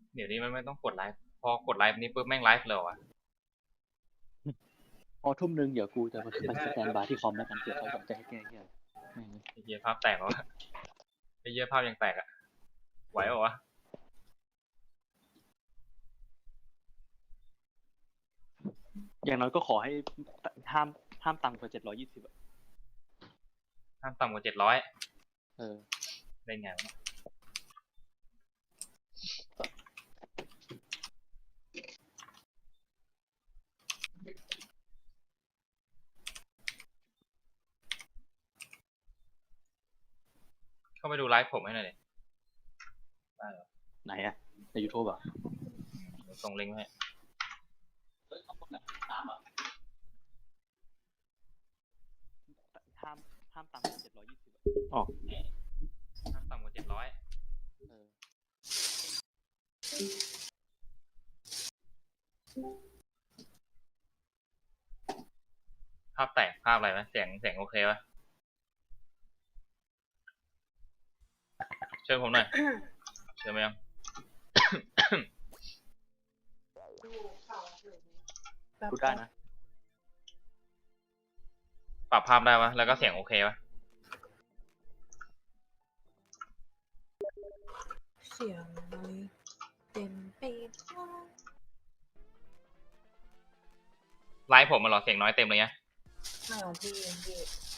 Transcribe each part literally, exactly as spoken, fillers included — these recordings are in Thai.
เดี๋ยวนี้มันไม่ต้องกดไลฟ์พอกดไลฟ์นี้ปุ๊บแม่งไลฟ์เลยว่ะพอทุ่มนึงเดี๋ยวกูจะมาขึ้นไปสแตนบายที่คอมแล้วกันเผื่อเขาอยากจะให้แก้เหี้ยไอ้เหี้ยภาพแตกเหรอไอ้เหี้ยภาพยังแตกอ่ะไหวเหรอวะอย่างน้อยก็ขอให้ห้ามห้ามต่ำกว่าเจ็ดร้อยยี่สิบอะห้ามต่ำกว่าเจ็ดร้อยเออได้ไงวะเข้าไปดูไลฟ์ผมให้หน่อยดิได้เหรอไหนอะในยูทูบอ่ะส่งลิงก์ให้ห้ามห้ามต่ำกว่าเจ็ดร้อยยี่สิบอ๋อห้ามต่ำกว่าเจ็ดร้อยเออภาพแตกภาพอะไรไหมเสียงเสียงโอเคปะเชิญผมหน่อยเชิญไหมยังพูดได้นะปรับภาพได้ปะแล้วก็เสียงโอเคปะเสียงเลยเต็มไปหมดไลฟ์ผมมันหรอเสียงน้อยเต็มเลยไงไม่ของพี่เองพี่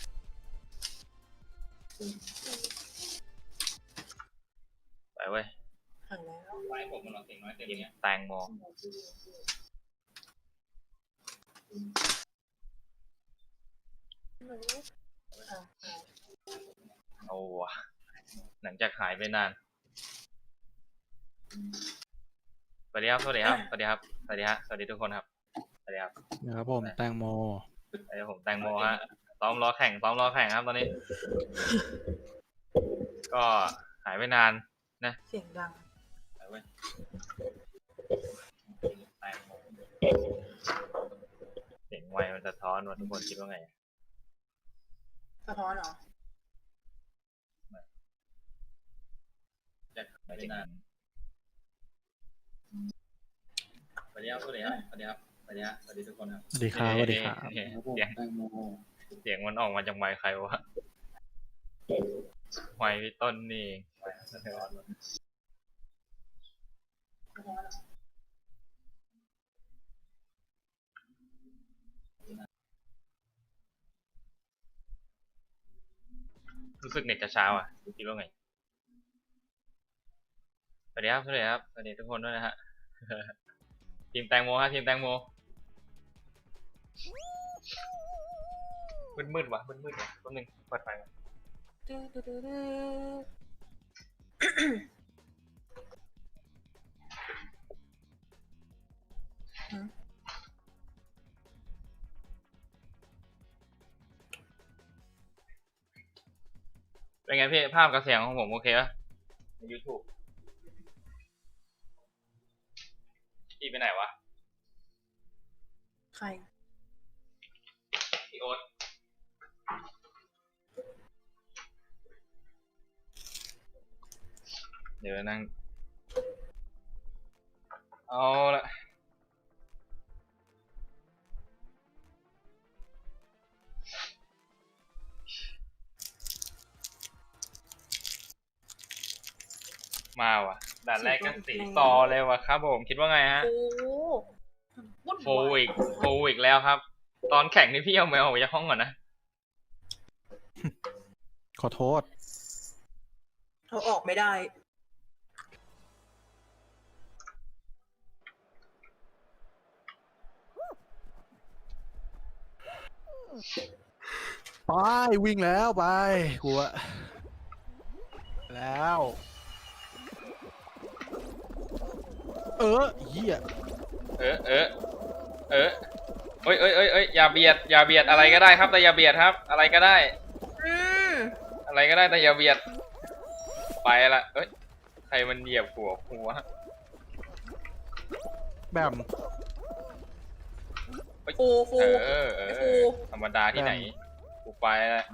ไปเว้ยหันแล้วไลฟ์ผมมันหรอเสียงน้อยเต็มเลยแตงโมโอ้วะหลังจากหายไปนานสวัสดีครับสวัสดีครับสวัสดีครับสวัสดีครับสวัสดีทุกคนครับสวัสดีครับนะครับผมแตงโมสวัสดีผมแตงโมฮะซ้อมล้อแข่งซ้อมล้อแข่งครับตอนนี้ก็หายไปนานนะเสียงดังไปเว้ยแตงโมเสียงไวมันสะท้อนว่าทุกคนคิดว่าไงสะท้อนเหรอจะหายไปนานสวัสดีครับสวัสดีครับสวัสดีครับสวัสดีครับสวัสดีทุกคนครับสวัสดีครับสวัสดีครับเสียงเสียงมันออกมาจากไมค์ใครวะไมค์พี่ต้นนี่รู้สึกเน็ตจะช้าอ่ะคิดว่าไงสวัสดีครับสวัสดีครับสวัสดีทุกคนด้วยนะฮะทีมแตงโมฮะทีมแตงโมมืดๆวะมืดๆวะแป๊บนึงเปิดไฟก่อนเป็นไงพี่ภาพกับเสียงของผมโอเคปะใน YouTube พี่ไปไหนวะใครพี่โอ๊ตเดี๋ยวนั่งเอาละมาว่ะด่านแรกก็สีต่อเลยว่ะครับผมคิดว่าไงฮะโฟวิกโฟวิกแล้วครับตอนแข่งนี่พี่เอาแมวออกจากห้องก่อนนะขอโทษเขาออกไม่ได้ไปวิ่งแล้วไปกูอะแล้วเออเหี้ยเออเออเออเอ้ยเอ้ยเอ้ยเอ้ยอย่าเบียดอย่าเบียดอะไรก็ได้ครับแต่อย่าเบียดครับอะไรก็ได้อะไรก็ได้แต่อย่าเบียดไปละเอ้ยใครมันเหยียบหัวหัวแบมฟูฟูเออเออธรรมดาที่ไหนกูไปละ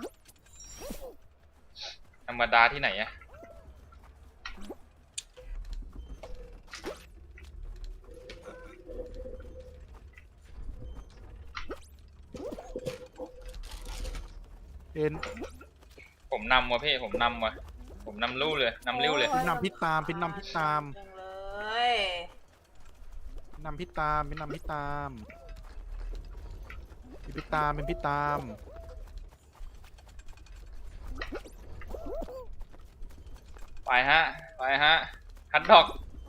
ธรรมดาที่ไหนอะเอ็นผมนำว่ะพี่ผมนำว่ะผมนำลู่เลยนำเลี้วเลยพินนำพิตามพินนำพิตามจังเลยพินนำพิตามพินนำพิตามพิพิตามเป็นพิตามไปฮะไปฮะฮัตดอก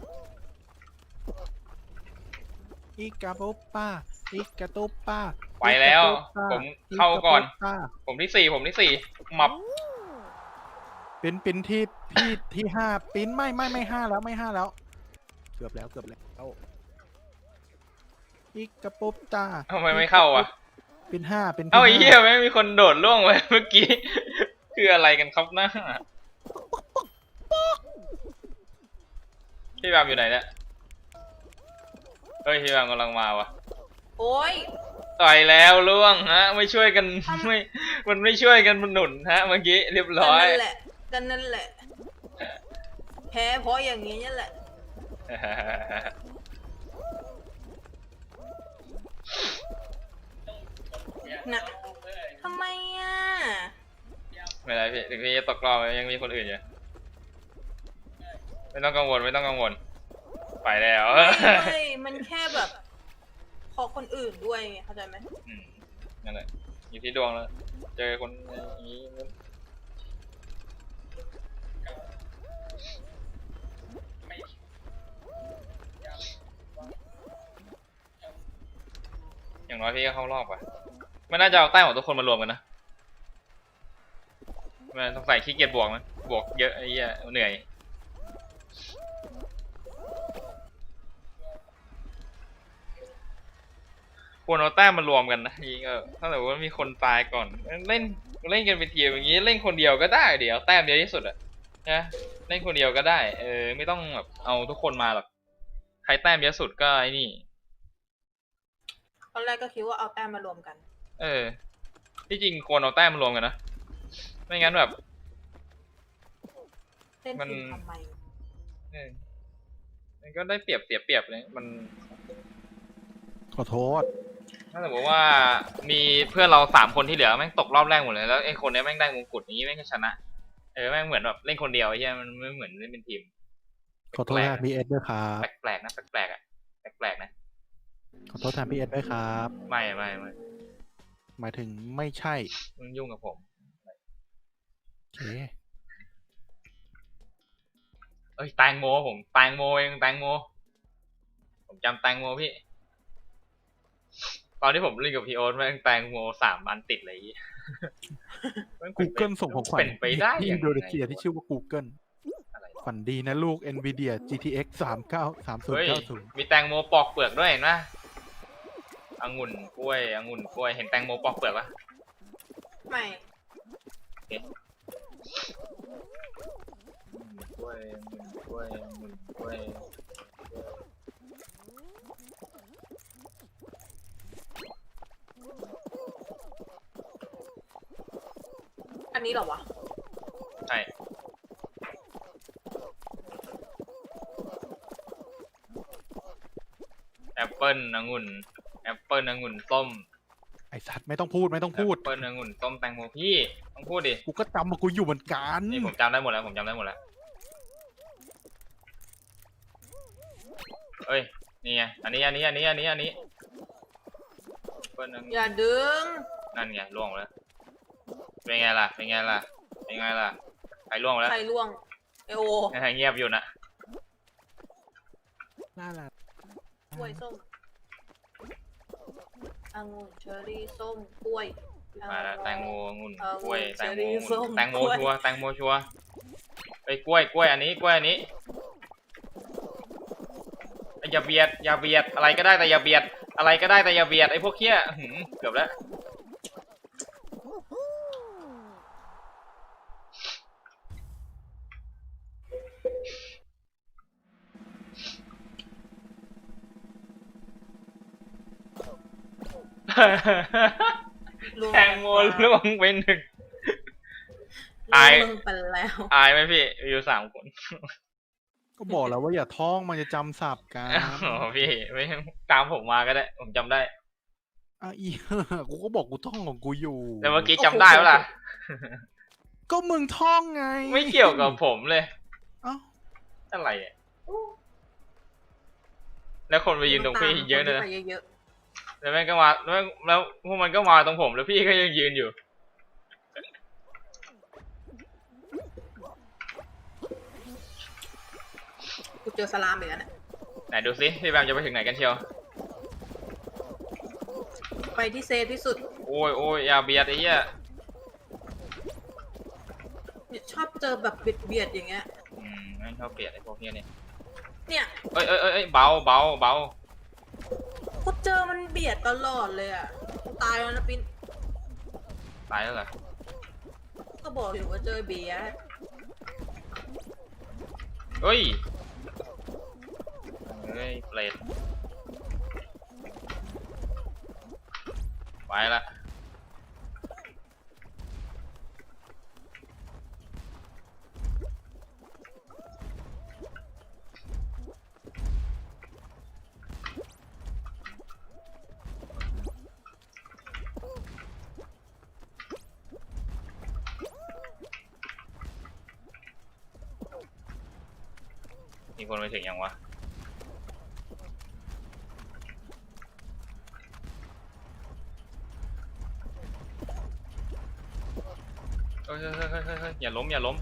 อีกาโปป้าอีกาโตป้าไปแล้วผมเข้าก่อนกาโปป้าผมที่สี่ผมที่สี่หมับเป็นเป็นที่ที่ที่ห้าปิ้นไม่ไม่ไม่ห้าแล้วไม่ห้าแล้ว เกือบแล้วเกือบแล้วอีกาโปป้าทำไมไม่เข้าอ่ะเป็นห้าเป็นที่เอ้าไอ้เหี้ยห้าไม่มีคนโดดล่วงไปเมื่อกี้ คืออะไรกันครับหน้าพี่แบมอยู่ไหนเนี่ยเฮ้ยพี่แบมกำลังมาวะโอ้ยต่อยแล้วล่วงฮะ ไม่ช่วยกันไม่มันไม่ช่วยกันมันหนุนฮะเมื่อกี้เรียบก็ร้อยนั่นแหละก็นั่นแหละ แพ้เพราะอย่างนี้นี่แหละ นะทำไมอ่ะไม่เป็นไรพี่ถึงพี่จะตกรอบยังมีคนอื่นอยู่ไม่ต้องกังวลไม่ต้องกังวลไปแล้วไม่ไม่มันแค่แบบขอคนอื่นด้วยไงเข้าใจไหมอืมนั่นแหละอยู่ที่ดวงแล้ว เจอคนอย่างนี้อย่างน้อยพี่ก็เข้ารอบอ่ะไม่น่าจะเอาแต้มของทุกคนมารวมกันนะมันสงสัยขี้เกียจบวกมั้ยบวกเยอะไอ้เหี้ยเหนื่อยควรเอาแต้มมารวมกันนะจริงเออถ้าสมมติว่ามีคนตายก่อนเล่นเล่นกันเป็นทีมอย่างนี้เล่นคนเดียวก็ได้เดี๋ยวแต้มเดียวที่สุดอะนะเล่นคนเดียวก็ได้เออไม่ต้องแบบเอาทุกคนมาหรอกใครแต้มเยอะสุดก็ไอ้นี่ตอนแรกก็คิดว่าเอาแต้มมารวมกันเออที่จริงควรเอาแต้มมารวมกันนะไม่งั้นแบบเล่นมันทีมทำไมเออมันก็ได้เปรียบเสียเปรียบเลยมันขอโทษถ้าสมมติว่ามีเพื่อนเราสามคนที่เหลือแม่งตกรอบแรกหมดเลยแล้วไอ้คนเนี้ยแม่งได้มงกุฎอย่างนี้แม่งก็ชนะเออแม่งเหมือนแบบเล่นคนเดียวไอ้เหี้ยมันไม่เหมือนเล่นเป็นทีมขอโทษแทนพี่เอสด้วยครับแปลกๆนะแปลกๆอ่ะแปลกๆนะขอโทษแทนพี่เอสด้วยครับไม่ไม่ไม่หมายถึงไม่ใช่มึงยุ่งกับผมโอเคเอ้ยแตงโมผมแตงโมเองแตงโมผมจำแตงโมพี่ตอนที่ผมเล่นกับพี่โอ๊ตแม่งแตงโมสามอันติดเลยกูเกิลส่งของขวัญเป็นไปได้ที่ยัอิงนโดนีไงเซียที่ชื่อว่า Google อะไรฝันดีนะลูก Nvidia จี ที เอ็กซ์ สามเก้า สามศูนเฮ้ย์ยเก้าศูนย์มีแตงโมปอกเปลือกด้วยเห็นปะองุ่นกล้วยองุ่นกล้วยเห็นแตงโมปอกเปลือกปะไม่กล้วยองุ่นกล้วยองุ่นกล้วยอันนี้เหรอวะใช่แอปเปิ้ลองุ่นแอปเปิ้ลองุ่นส้มไอสัตว์ไม่ต้องพูดไม่ต้องพูดแอปเปิ้ลองุ่นส้มแตงโมพี่ต้องพูดดิกูก็จำมากูอยู่เหมือนกันนี่ผมจำได้หมดแล้วผมจำได้หมดแล้วเอ้ยนี่ไงอันนี้อันนี้อันนี้อันนี้อันนี้แอปเปิ้ลองุ่นอย่าดึงนั่นไงล่วงแล้วเป็นไงล่ะเป็นไงล่ะเป็นไงล่ะใครล่วงแล้วใครล่วงไอโอเงียบอยู่นะน่ารักกล้วยส้มองุ่นเชอร์รี่ส้มกล้วยมาแล้วแตงโมองุ่นเออกล้วยแตงโมเชอรี่องุ่นส้มแตงโมกล้วยชัวร์แตงโมชัวร์ไอ้ยกล้วยกล้วยอันนี้กล้วยอันนี้ไอ้อย่าเบียดอย่าเบียดอะไรก็ได้แต่อย่าเบียดอะไรก็ได้แต่อย่าเบียดไอ้พวกเคี้ยหืมเกือบแล้วล่วงแตงโมล่วงไปหนึ่งล่อายวงไปแล้วอายไหมพี่อยู่สามคนก็บอกแล้วว่าอย่าท่องมันจะจำศัพท์กันอ๋อพี่ไม่ตามผมมาก็ได้ผมจำได้อ่ะอี กูก็บอกกูท่องของกูอยู่แต่เมื่อกี้จำได้ปะล่ะก็มึงท่องไงไม่เกี่ยวกับผมเลยเอ้าอะไรอ่ะแล้วคนไปยืนตรงพี่เยอะเลยนะไปเยอะแล้วแม่งก็มาแล้วแม่งแล้วพวกมันก็มาตรงผมแล้วพี่ก็ยังยืนอยู่ๆกูเจอสลามอีกแล้วเนี่ยไหนดูสิพี่แบมจะไปถึงไหนกันเชียวไปที่เซฟที่สุดโอ้ยโอ้ยอย่าเบียดไอ้เหี้ยเนี่ยชอบเจอแบบเบียดเบียดๆอย่างเงี้ยอืมแม่งชอบเบียดไอ้พวกเนี้ยเนี่ยเนี่ยเอ้ยเอ้ยเอ้ยเอ้ยเบาเบาเบากูเจอมันเบียดตลอดเลยอ่ะกูตายแล้วนะปินตายแล้วเหรอก็บอกอยู่ว่าเจอเบียดเฮ้ยเฮ้ยเปรตไปละมีคนไปถึงยังวะเฮ้ยเฮ้ยเฮ้ยเฮ้ยเฮ้ยอย่าล้มอย่าล้ม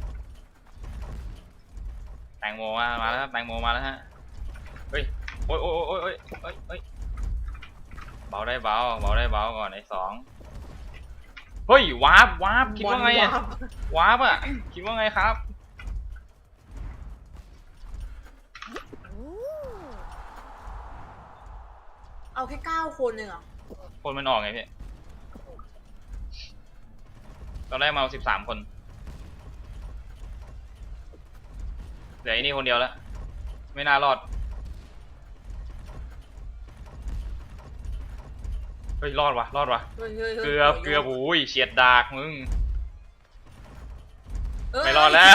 แตงโมมามาแล้วครับแตงโมมาแล้วฮะเฮ้ยโอ้ยโอ้ยโอ้ยโอ้ยโอ้ยโอ้ยเบาได้เบาเบาได้เบาก่อนไอ้สองเฮ้ยวาร์ปวาร์ปคิดว่าไงอะบอลวาร์ปอะคิดว่าไงครับเอาแค่เก้าคนเองเหรอคนมันออกไงพี่ตอนแรกมาสิบสามคนเหลือไอ้นี่คนเดียวแล้วไม่น่ารอดเฮ้ยรอดวะรอดวะเฮ้ยเฮ้ยฮ้ยเกือบเกือบโอ้ยเฉียดดากมึงเอ้ยไม่รอดแล้ว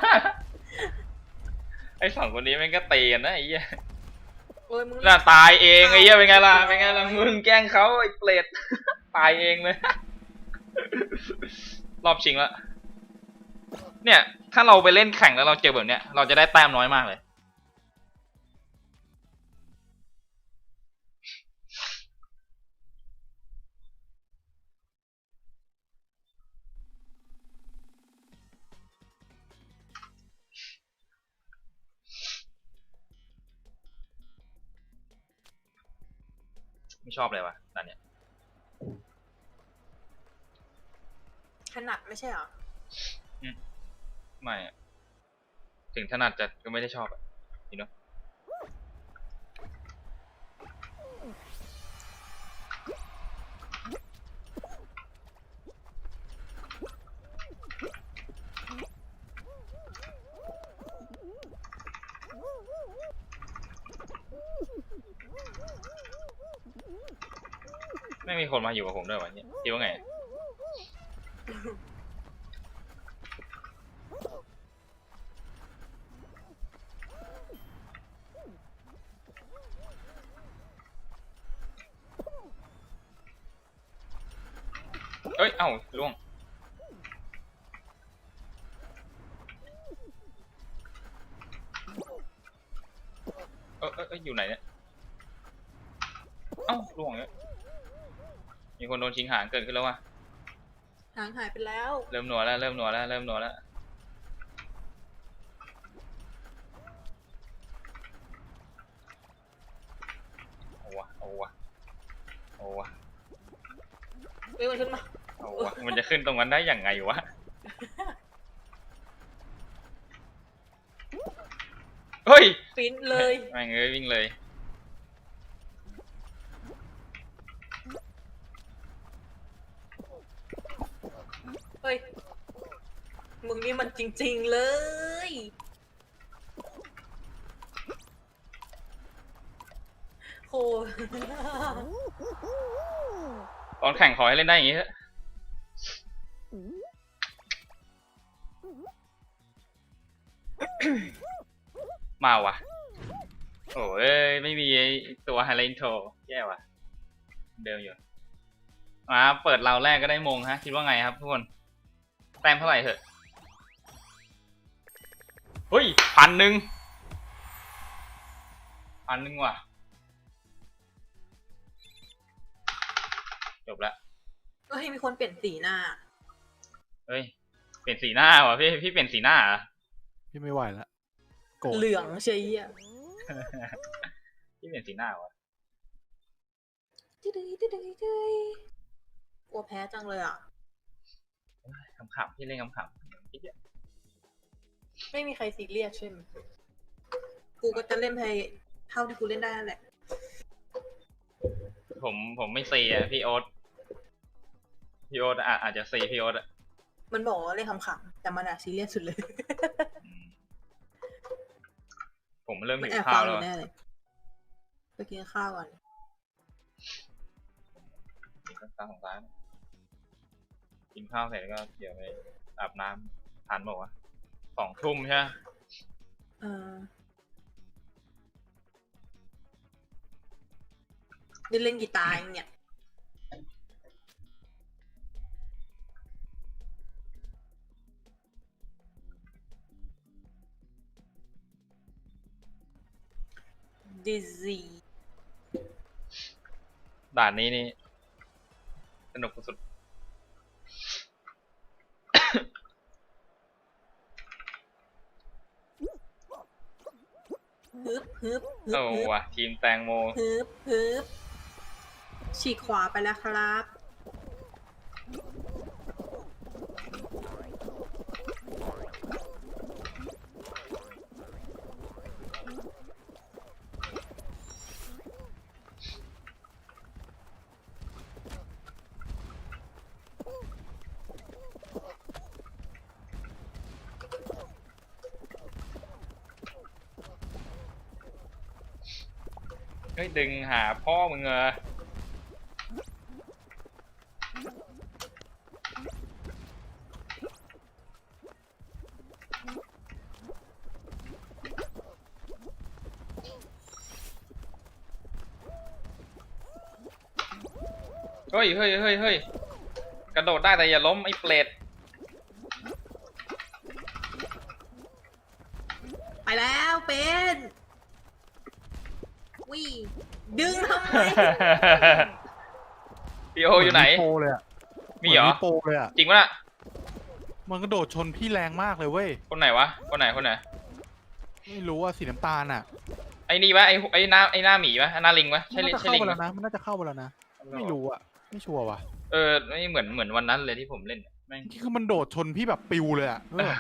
ไอ้สองคนนี้แม่งก็เตะกันนะไอ้เหี้ยเอ้ยมึงน่าตายเองไอ้เหี้ยเป็นไงล่ะเป็นไงล่ะมึงแกล้งเขาไอ้เปรต ตายเองเลย รอบชิงแล้วเนี่ย ถ้าเราไปเล่นแข่งแล้วเราเจอแบบเนี้ยเราจะได้แต้มน้อยมากเลย ไม่ชอบเลยวะตอนเนี้ยถนัดไม่ใช่เหรอไม่อะถึงถนัดจะก็ไม่ได้ชอบอะนี่เนาะไม่มีคนมาอยู่กับผมด้วยวะเนี่ยคิดว่าไง เอ้ย เอ้าล่วง เออเออเอยอยู่ไหนเนี่ย เอ้าล่วงเนี่ยมีคนโดนชิงหางเกิดขึ้นแล้วว่ะหางหายไปแล้วเริ่มหนัวแล้ว เริ่มหนัวแล้ว เริ่มหนัวแล้ว เอาวะ เอาวะ เอาวะเอ้ยมันขึ้นมาเอาวะ มันจะขึ้นตรงนั้นได้อย่างไงวะ เฮ้ยปินเลยแม่งเอ้ยวิ่งเลยเฮ้ย มึงนี่มันจริงๆเลย โหตอนแข่งขอให้เล่นได้อย่างนี้เถอะมาวะโอ้ยไม่มีไอ้ตัวไฮไลท์โทรแย่ว่ะ เดิมอยู่มาเปิดเราแรกก็ได้มงฮะคิดว่าไงครับทุกคนแต้มเท่าไหร่เถอะเฮ้ยพันหนึ่งพันหนึ่งว่ะจบละก็ให้มีคนเปลี่ยนสีหน้าเฮ้ยเปลี่ยนสีหน้าว่ะพี่พี่เปลี่ยนสีหน้าเหรอพี่ไม่ไหวแล้วโกรธเหลืองเชียร์พี่เปลี่ยนสีหน้าวะจิ๊ดจิ๊ดจิ๊ดจิ๊ดจิ๊ดกลัวแพ้จังเลยอ่ะขำๆพี่เล่นขำๆพี่เดียวไม่มีใครซีเรียสใช่ไหมกูก็จะเล่นไปเท่าที่กูเล่นได้นั่นแหละผมผมไม่ซีอ่ะพี่โอ๊ตพี่โอ๊ตอ่ะอาจจะซีพี่โอ๊ตอ่ะมันบอกว่าเล่นขำๆแต่มันอะซีเรียสสุดเลยอืมผมเริ่มมันหิวแอบข้าฟัวงอแล้วยู่แน่เลย ไปกินข้าวก่อนกินข้าวของร้านกินข้าวเสร็จก็เดี๋ยวไปอาบน้ำทันบอกว่าวะสองทุ่มใช่ไหมเออได้เล่นกีตาร์อย่างเนี่ย ดิซีด่านนี้นี่สนุกสุดฮึบฮึบฮึโอ้บฮึบว่ะทีมแตงโมฮึบฮึบฉีกขวาไปแล้วครับเฮ้ยดึงหาพ่อมึงเหรอเฮ้ยเฮ้ยเฮ้ยเฮ้ยกระโดดได้แต่อย่าล้มไอ้เปรตไปแล้วเป็นวิดึงทำไมพี่โออยู่ไหนโปรเลยอะมีเหรอโปรเลยอะจริงปะน่ะมันกระโดดชนพี่แรงมากเลยเว้ยคนไหนวะ คนไหนคนไหนไม่รู้ว่าสีน้ำตาลอะไอ้นี่วะไอ้ไอ้หน้าไอ้หน้าหมีวะหน้าลิงวะมัใช่นลิน่าจะใช่เข้าลิงไปวะแล้วนะมันน่าจะเข้าไปแล้วนะไม่รู้อะไม่ชัวร์ว่ะเออไม่เหมือนเหมือนวันนั้นเลยที่ผมเล่นแม่งที่คือมันโดดชนพี่แบบปิวเลยอะเออ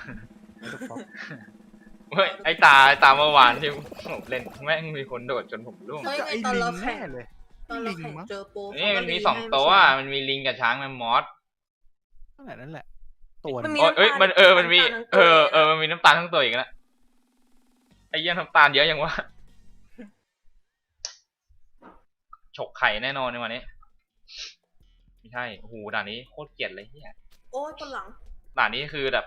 เฮ้ยไอ้ตาไอ้ตาเมื่อวานที่ผมเล่นแม่งมีคนโดดจนผมร่วงเฮ้ยจะไอ้ตอนลิเรางแข่แน่งเลยตอนเราแข่งมั้งเจอโปรนี่มันมีเขาสก็องรีให้ตัวไใช่มันมีลิงกับช้างแมมมอสนั่นแหละนั่นแหละตัวมันนึงมีโอ้ยเอ้ยมันเออมันมีน้ำตาลทั้งเอตัวอเออมันมีน้ำตาลทั้งตัวอีกนะไอ้เยี่ยน้ำตาลเยอะยังวะฉกไข่แน่นอนในวันนี้ไม่ใช่โอ้โหด่านนี้โคตรเกลียดเลยเฮียโอ้ยคนหลังด่านนี้คือแบบ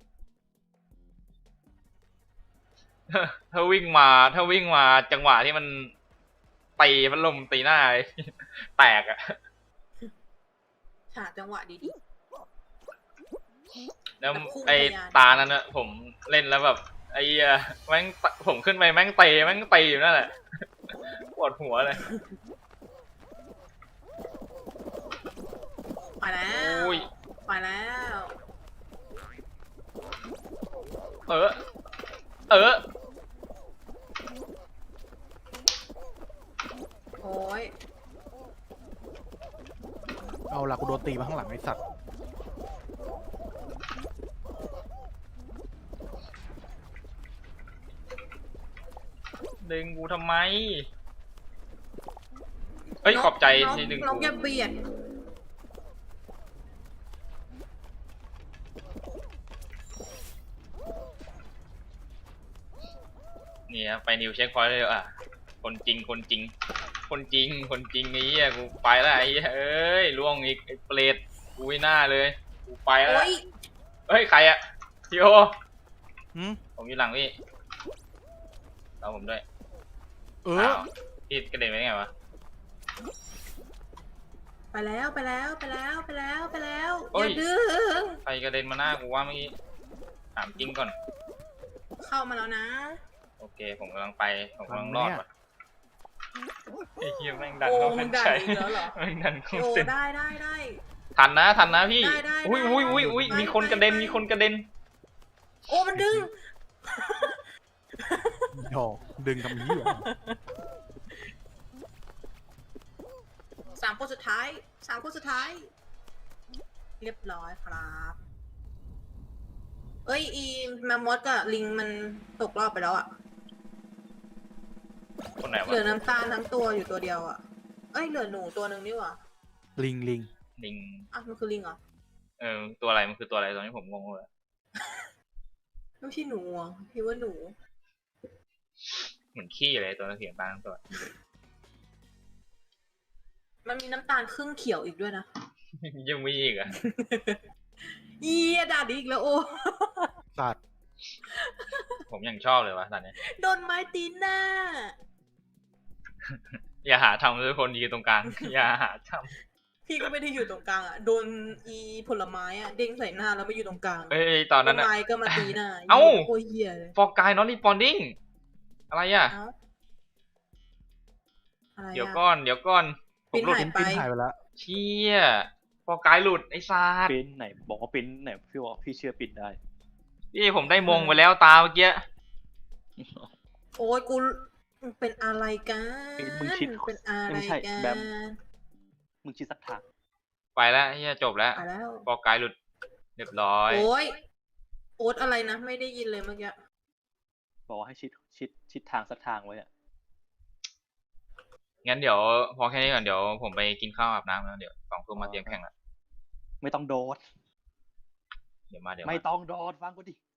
ถ้าวิ่งมาถ้าวิ่งมาจังหวะที่มันตีพัดลมตีหน้า แตกอะหาจังหวะดีแล้วแบบพุ่งไอ้ทะยานตานั้นอะผมเล่นแล้วแบบ ไอ้เหี้ยแม่งตผมขึ้นไปแม่งเตะแม่งตีอยู่นั่นแหละ ปวดหัวเลยๆไปแล้วโอ้ยไปแล้วเออ เออโอ้ยเอาล่ะกูโดนตีมาข้างหลังไอ้สัตว์ดึงกูทำไม เฮ้ย ขอบใจน้องที่ดึงน้องกูอย่าเบียดนี่ครับไปนิวเช็คพอยต์เลยอ่ะ คนจริง คนจริง คนจริง คนจริงไอ้เหี้ยกูไปแล้วไอ้เหี้ยเอ้ยล่วงอีกไอ้เปรตกูไม่น่าเลย กูไปแล้วโอ้ยเฮ้ย ใครอะพี่โอหืมผมอยู่หลังพี่เราผมด้วยเออาวพี่กระเด็นไปได้ไงวะไปแล้วไปแล้วไปแล้วไปแล้วไปแล้วโอ้อย ย่าดื้อใครกระเด็นมาหน้ากูว่าเมื่อกี้ถามจริงก่อนเข้ามาแล้วนะโอเค ผมกำลังไป ผมกำลังรอดว่ะไอ้เหี้ยแม่งดันโอ้เข้ามึเส้งนด่าชัยอีกแล้วเหรอแม่งดันเข้าโอ้เส้นได้ได้ได้ทันนะทันนะพี่ได้ได้อุ้ยได้อุ้ยอุ้ยอุ้ยได้มีคนกระเด็นไปมีคนกระเด็นโอ้มันดึงโอ้ดึงกับนี้เหรอสามคนสุดท้ายสามคนสุดท้าย เรียบร้อยครับ เอ้ยอีแมมมอสกับลิงมันตกรอบไปแล้วอะคนไหนเหวะลือน้ำตาลทั้งตัวอยู่ตัวเดียวอะเอ้ยเหลือหนูตัวหนึ่งนี่หว่าลิงลิงลิงอ่ะมันคือลิงเหรอเออ ตัวอะไร มันคือตัวอะไรตอนนี้ผมงงเลยไม่ใช่หนูอ่ะพี่ว่าหนูเหมือนขี้อะไรตัวนั้นเสียงตาทั้งตัวมันมีน้ำตาลครึ่งเขียวอีกด้วยนะยังมีอีกเหรอ่ะเยียด่าดีอีกแล้วโอ้สัตว์ผมยังชอบเลยวะตอนนี้โดนไม้ตีหน้าอย่าหาทำเลยคนยืนตรงกลาง อย่าหาทพี่ก็ไม่ได้อยู่ตรงกลางอ่ะ โดนอีผลไม้อ่ะเด้งใส่หน้าแล้วไม่อยู่ตรงกลางำเอ้ยตอนนั้นต้อะไม้ก็มาตีหน้าเอ้าโอ้ยเหี้ยเลยฟอร์กายนอตรีปอนดิ้งอะไรอ่ะเอ้าอะไรเดี๋ยวอ่ะก่อน เดี๋ยวก่อน ผปิ้มนหลุดหายปิ้นปิ้นหายไปแล้วเชี่ยฟอร์กายหลุดไอ้ซาดปิ้นไหนบอกว่าปิ้นไหนพี่บอกพี่เชื่อปิ้นได้พี่ผมได้มงไปแล้วตาเมื่อกี้โอ้ยกูมึงเป็นอะไรกันปิ้นมึงคิดเป็นอะไรไม่ใช่กัแบนม มึงคิดสักทางไปแล้วเฮียจบแล้วไปแล้วฟอร์กายหลุด เรียบร้อยโอ้ยโอ๊ตอะไรนะ ไม่ได้ยินเลยเมื่อกี้บอกว่าให้ชิดชิดชิดทางสักทางไว้อะงั้นเดี๋ยวพอแค่นี้ก่อนเดี๋ยวผมไปกินข้าวอาบน้ำแล้วเดี๋ยวสองทุ่มมาเตรียมแข่งละไม่ต้องโดดเดี๋ยวมาเดี๋ยวไม่มาต้องโดดฟังกูดิ